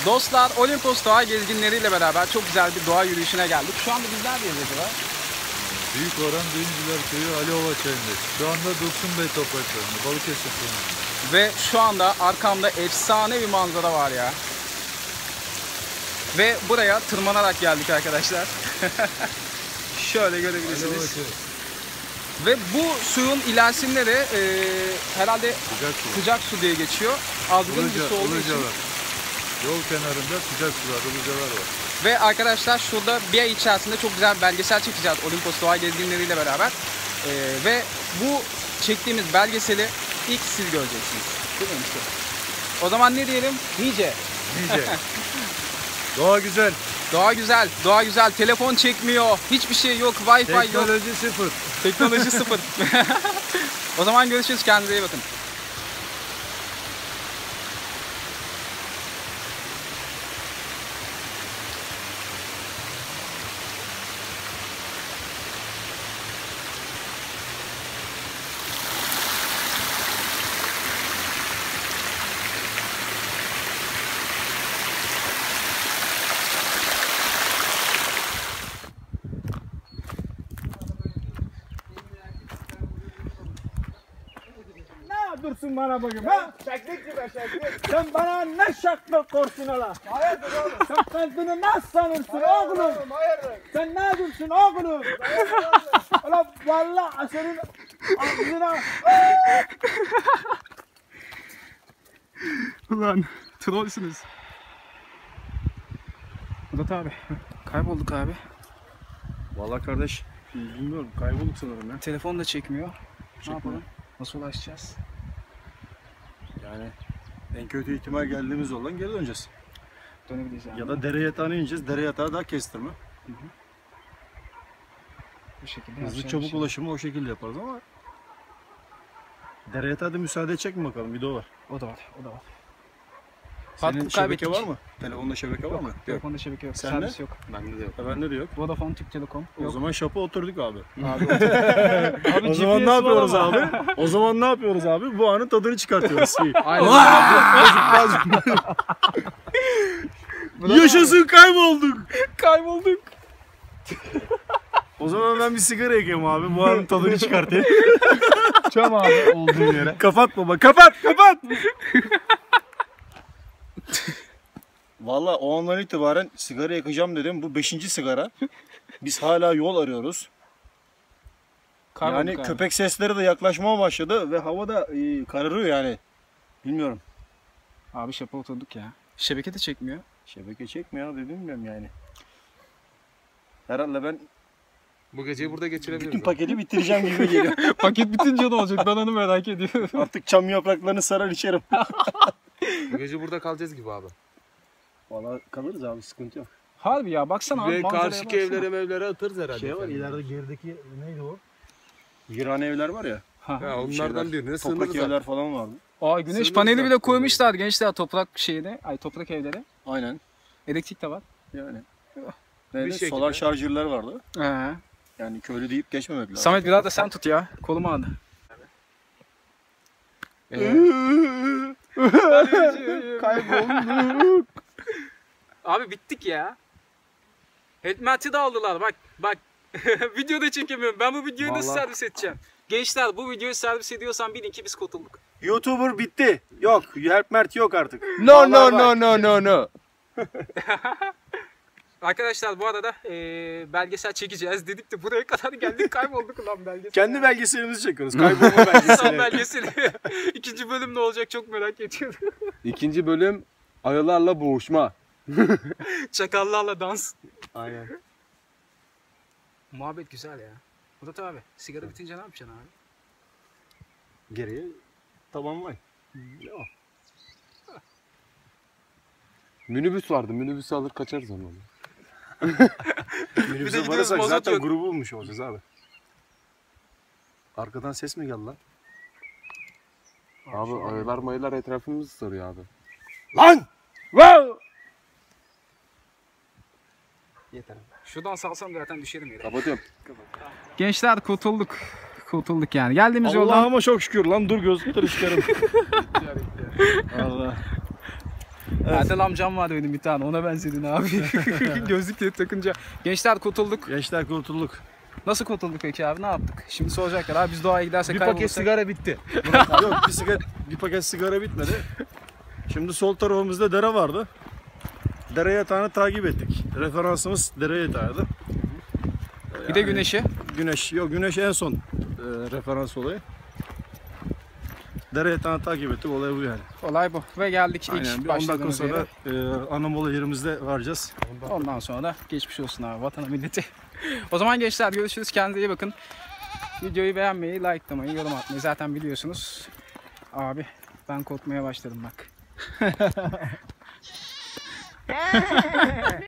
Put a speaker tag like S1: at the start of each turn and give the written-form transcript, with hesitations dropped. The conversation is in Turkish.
S1: Dostlar, Olimpos doğa gezginleriyle beraber çok güzel bir doğa yürüyüşüne geldik. Şu anda biz neredeyiz acaba?
S2: Büyükoran Düğüncüler Köyü Aliova Çayı'ndayız. Şu anda Dursun Bey topraklarında, Balıkesir Köyü'nde.
S1: Ve şu anda arkamda efsane bir manzara var ya. Ve buraya tırmanarak geldik arkadaşlar. Şöyle görebilirsiniz. Ve bu suyun ilerisinde de herhalde sıcak su diye geçiyor. Azgın bir su olduğu için.
S2: Yol kenarında sıcak sular, ılıcalar var.
S1: Ve arkadaşlar şurada bir ay içerisinde çok güzel bir belgesel çekeceğiz Olimpos doğa gezginleriyle beraber. Ve bu çektiğimiz belgeseli ilk siz göreceksiniz. Değil mi işte? O zaman ne diyelim? Nice.
S2: Doğa güzel.
S1: Doğa güzel, doğa güzel. Telefon çekmiyor. Hiçbir şey yok. Wi-Fi yok.
S2: Teknoloji sıfır.
S1: Teknoloji sıfır. O zaman görüşürüz. Kendinize iyi bakın.
S3: Dursun bana bakayım ha? Şaklık gibi şaklık. Sen bana ne şaklık korsun ola? Hayırdır oğlum? Sen kendini nasıl sanırsın oğlum? Hayırdır? Sen ne dursun oğlum? Ola vallahi senin ağzına...
S1: Ulan trollsünüz. Murat abi. Kaybolduk abi.
S2: Vallahi kardeş, bilmiyorum, kaybolduk sanırım ya.
S1: Telefon da çekmiyor. Ne yapalım? Nasıl ulaşacağız?
S2: Yani en kötü ihtimal geldiğimiz yoldan geri döneceğiz.
S1: Dönebiliriz yani.
S2: Ya da dere yatağına ineceğiz. Dere yatağı daha kestirme.
S1: Bu şekilde
S2: Hızlı çabuk ulaşımı o şekilde yaparız ama dere yatağı da müsaade edecek mi bakalım, video var.
S1: O da var, o da var.
S2: Senin şebeke var mı? Telefonda şebeke var mı?
S1: Telefonda şebeke yok.
S2: Sende?
S1: Servis yok.
S2: Bende de yok. Bende de yok.
S1: Vodafone, Türk Telekom.
S2: O zaman şapa oturduk abi.
S1: Abi
S2: O zaman ne yapıyoruz abi? O zaman ne yapıyoruz abi? Bu anın tadını çıkartıyoruz.
S1: Aynen.
S2: Yaşasın, kaybolduk.
S1: Kaybolduk.
S2: O zaman ben bir sigara yakayım abi. Bu anın tadını çıkartayım.
S1: Çam abi olduğun yere.
S2: Kapat baba, kapat. Vallahi o andan itibaren sigara yakacağım dedim. Bu 5. sigara. Biz hala yol arıyoruz. Yani köpek sesleri de yaklaşmaya başladı ve hava da kararıyor yani. Bilmiyorum.
S1: Abi şapa oturduk ya. Şebeke de çekmiyor.
S2: Şebeke çekmiyor abi, bilmiyorum yani. Herhalde ben
S4: bu geceyi burada geçirebiliriz.
S2: bütün paketi bitireceğim gibi geliyor.
S1: Paket bitince ne olacak? Ben onu merak ediyorum.
S2: Artık çam yapraklarını sarar içerim.
S4: Bu gece burada kalacağız gibi abi.
S2: Vallahi kalırız abi, sıkıntı yok.
S1: Harbi ya, baksana abi.
S4: Ve karşıki evlere atarız herhalde.
S2: Şey var, ileride gerideki neydi o? Virane evler var ya.
S4: Ha, onlardan birine
S2: toprak
S4: sığınırız
S2: evler
S4: artık.
S2: falan vardı.
S1: Aa, güneş
S4: Sığınırız
S1: paneli bile
S4: artık
S1: koymuşlar gençler toprak şeyde. Ay, toprak evleri.
S2: Aynen.
S1: Elektrik de var.
S2: Yani.
S4: Bir
S2: Neydi?
S4: şekilde.
S2: Solar şarjörler vardı.
S1: He.
S2: Yani köylü deyip geçmemek lazım.
S1: Samet biraz da sen tut ya. Kolumu aldı.
S3: Kaybolduk.
S1: Abi bittik ya. Helmeti de aldılar bak. Videoda çekemiyorum. Ben bu videoyu nasıl servis edeceğim? Gençler, bu videoyu servis ediyorsan bilin ki biz kurtulduk.
S2: YouTuber bitti. Yok. Help Mert yok artık.
S4: No.
S1: Arkadaşlar bu arada belgesel çekeceğiz dedik de buraya kadar geldik, kaybolduk lan belgesel.
S2: Kendi belgeselimizi çekiyoruz. Kaybolma belgeseli.
S1: Son belgeseli. 2. bölüm ne olacak çok merak ediyorum.
S4: 2. bölüm ayılarla boğuşma.
S1: Çakallarla dans.
S4: Aynen.
S1: Muhabbet güzel ya. Murat abi, sigara bitince ne yapacaksın abi?
S2: Geriye tamamlayın.
S4: Minibüs vardı. Minibüsü alır kaçarız ama.
S2: Minibüse
S1: gidiyoruz,
S2: varırsak
S1: mazot
S2: zaten
S1: yok.
S2: grubu bulmuş olacağız abi. Arkadan ses mi geldi lan?
S4: Abi ayılar mayılar etrafımızı sarıyor abi.
S2: Lan! Wow!
S1: Yeter. Şuradan salsam zaten düşerim yere.
S4: Kapatıyorum.
S1: Gençler kurtulduk. Kurtulduk yani. Geldiğimiz yoldan.
S2: Allah'ıma çok şükür lan, dur gözlükleri çıkarım. Allah.
S1: Erdal amcam vardı benim bir tane, ona benzedin abi. Gözlükleri takınca. Gençler kurtulduk.
S3: Gençler kurtulduk.
S1: Nasıl kurtulduk peki abi, ne yaptık? Şimdi soracaklar abi, biz doğaya gidersek
S2: Bir paket
S1: kaybolursak.
S2: sigara bitti.
S3: Yok bir paket sigara bitmedi. Şimdi sol tarafımızda dere vardı. Dere yatağını takip ettik. Referansımız dere yatağıydı.
S1: Bir de güneşi.
S3: Güneş en son referans olayı. Dere yatağını takip ettik. Olay bu yani.
S1: Olay bu. Ve geldik
S3: Aynen.
S1: ilk
S3: Bir 10 dakika
S1: başladığımız
S3: sonra
S1: yere.
S3: Anamola yerimizde varacağız.
S1: Ondan sonra da geçmiş olsun abi vatana milleti. O zaman gençler görüşürüz. Kendinize iyi bakın. Videoyu beğenmeyi, likelamayı, yorum atmayı zaten biliyorsunuz. Abi ben korkmaya başladım bak.